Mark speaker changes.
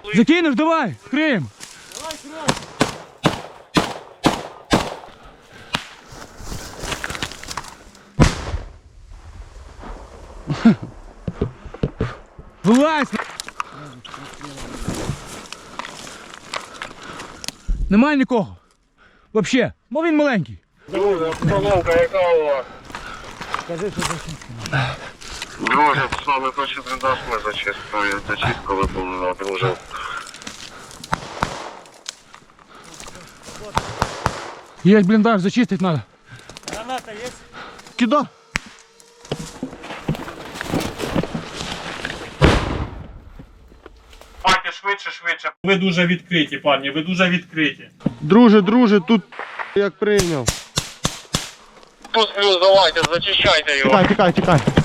Speaker 1: Закинеш, давай, вкриємо. Вилазь! Немає нікого. Вообще, бо він маленький.
Speaker 2: Друже, обстановка яка у вас?
Speaker 1: Скажи, що зачистили.
Speaker 2: Друже, саме перший бліндаж ми зачистили. Зачистку виповнила, друже.
Speaker 1: Є бліндаж, зачистити треба.
Speaker 3: Граната є?
Speaker 1: Кида.
Speaker 3: Паки, швидше, швидше. Ви дуже відкриті, пані, ви дуже відкриті.
Speaker 4: Друже, тут як прийняв.
Speaker 2: Тут плюс давайте, зачищайте його.
Speaker 4: Тікай.